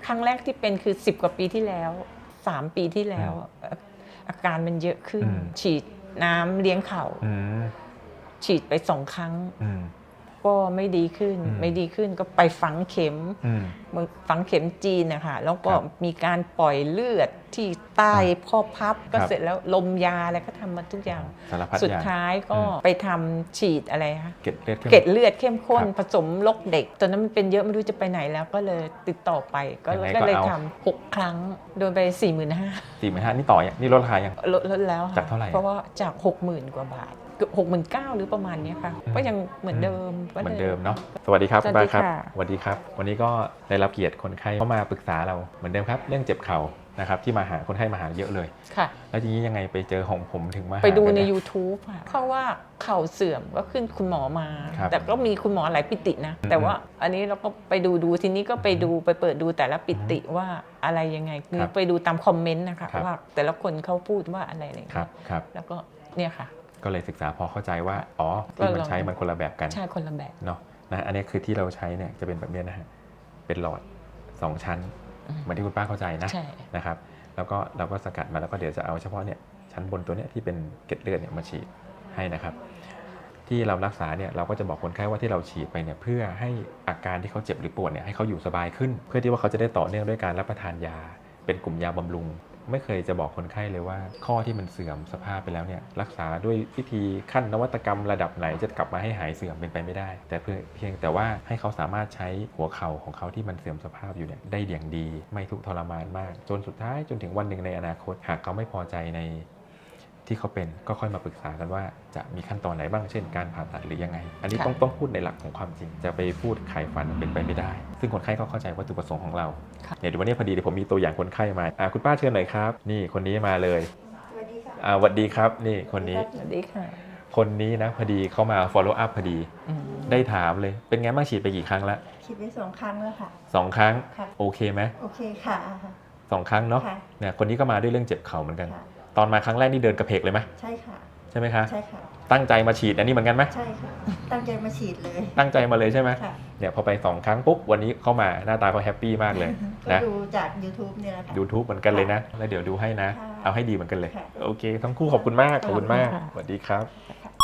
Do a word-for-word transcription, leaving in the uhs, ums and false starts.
ครั้งแรกที่เป็นคือสิบกว่าปีที่แล้วสามปีที่แล้วอาการมันเยอะขึ้นฉีดน้ำเลี้ยงเข่าฉีดไปสองครั้งก็ไม่ดีขึ้นไม่ดีขึ้นก็ไปฝังเข็มฝังเข็มจีนนะคะแล้วก็มีการปล่อยเลือดที่ใต้ข้อพับก็เสร็จแล้วลมยาอะไรก็ทำมาทุกอย่างสุดท้ายก็ไปทำฉีดอะไรคะเกล็ดเลือดเข้มข้นผสมลกเด็กตอนนั้นมันเป็นเยอะไม่รู้จะไปไหนแล้วก็เลยติดต่อไปก็เลยทำหกครั้งโดนไปสี่หมื่นห้าสี่หมื่นห้านี่ต่อนี่ลดราคายังลดลดแล้วจากเท่าไหร่เพราะว่าจากหกหมื่นกว่าบาทหกหมื่นเก้าหรือประมาณนี้ค่ะก็ยังเหมือนเดิมเหมือนเดิมเนาะสวัสดีครับคุณป้าครับสวัสดีครับวันนี้ก็ได้รับเกียรติคนไข้เข้ามาปรึกษาเราเหมือนเดิมครับเรื่องเจ็บเข่านะครับที่มาหาคนไข้มาหาเยอะเลยค่ะแล้วทีนี้ยังไงไปเจอของผมถึงมาไปดูใน ยูทูบ ค่ะเพราะว่าเข่าเสื่อมก็ขึ้นคุณหมอมาแต่ก็มีคุณหมอหลายปิตินะแต่ว่าอันนี้เราก็ไปดูดูทีนี้ก็ไปดูไปเปิดดูแต่ละปิติว่าอะไรยังไงคือไปดูตามคอมเมนต์นะคะว่าแต่ละคนเขาพูดว่าอะไรอะไรอย่างเงี้ยแล้วก็เนี่ยค่ะก็เลยศึกษาพอเข้าใจว่าอ๋อที่มันใช้มันคนละแบบกันใช่คนละแบบเนาะนะอันนี้คือที่เราใช้เนี่ยจะเป็นแบบนี้นะฮะเป็นหลอดสองชั้นเหมือนที่คุณป้าเข้าใจนะนะครับแล้วก็เราก็สกัดมาแล้วก็เดี๋ยวจะเอาเฉพาะเนี่ยชั้นบนตัวเนี้ยที่เป็นเกล็ดเลือดเนี่ยมาฉีดให้นะครับที่เรารักษาเนี่ยเราก็จะบอกคนไข้ว่าที่เราฉีดไปเนี่ยเพื่อให้อาการที่เขาเจ็บหรือปวดเนี่ยให้เขาอยู่สบายขึ้นเพื่อที่ว่าเขาจะได้ต่อเนื่องด้วยการรับประทานยาเป็นกลุ่มยาบำรุงไม่เคยจะบอกคนไข้เลยว่าข้อที่มันเสื่อมสภาพไปแล้วเนี่ยรักษาด้วยวิธีขั้นนวัตกรรมระดับไหนจะกลับมาให้หายเสื่อมเป็นไปไม่ได้แต่เพียงแต่ว่าให้เขาสามารถใช้หัวเข่าของเขาที่มันเสื่อมสภาพอยู่เนี่ยได้อย่างดีไม่ทุกข์ทรมานมากจนสุดท้ายจนถึงวันหนึ่งในอนาคตหากเขาไม่พอใจในที่เขาเป็นก็ค่อยมาปรึกษากันว่าจะมีขั้นตอนไหนบ้างเช่นการผ่าตัดหรือยังไงอันนี้ต้องต้องพูดในหลักของความจริงจะไปพูดไขฟันเป็นไปไม่ได้ซึ่งคนไข้ก็เข้าใจวัตถุประสงค์ของเราเนี่ยเดี๋ยววันนี้พอดีเดี๋ยวผมมีตัวอย่างคนไข้มาคุณป้าเชิญหน่อยครับนี่คนนี้มาเลยสวัสดีค่ะสวัสดีครับนี่คนนี้สวัสดีค่ะคนนี้นะพอดีเขามา follow up พอดีได้ถามเลยเป็นไงบ้างฉีดไปกี่ครั้งแล้วฉีดไปสองครั้งแล้วค่ะสองครั้งโอเคไหมโอเคค่ะสองครั้งเนาะเนี่ยคนนี้ก็มาด้วยเรื่องเจ็บเข่าเหมือนกันตอนมาครั้งแรกนี่เดินกระเพกเลยไหมใช่ค่ะใช่ไหมคะใช่ค่ะตั้งใจมาฉีดอันนี้เหมือนกันไหมใช่ค่ะตั้งใจมาฉีดเลยตั้งใจมาเลยใช่ไหมเนี่ยพอไปสองครั้งปุ๊บวันนี้เข้ามาหน้าตาเขาแฮปปี้มากเลยนะดูจาก ยูทูบ เนี่ยแหละค่ะยูทูบ เหมือนกันเลยนะแล้วเดี๋ยวดูให้นะเอาให้ดีเหมือนกันเลยโอเคทั้งคู่ขอบคุณมากขอบคุณมากสวัสดีครับ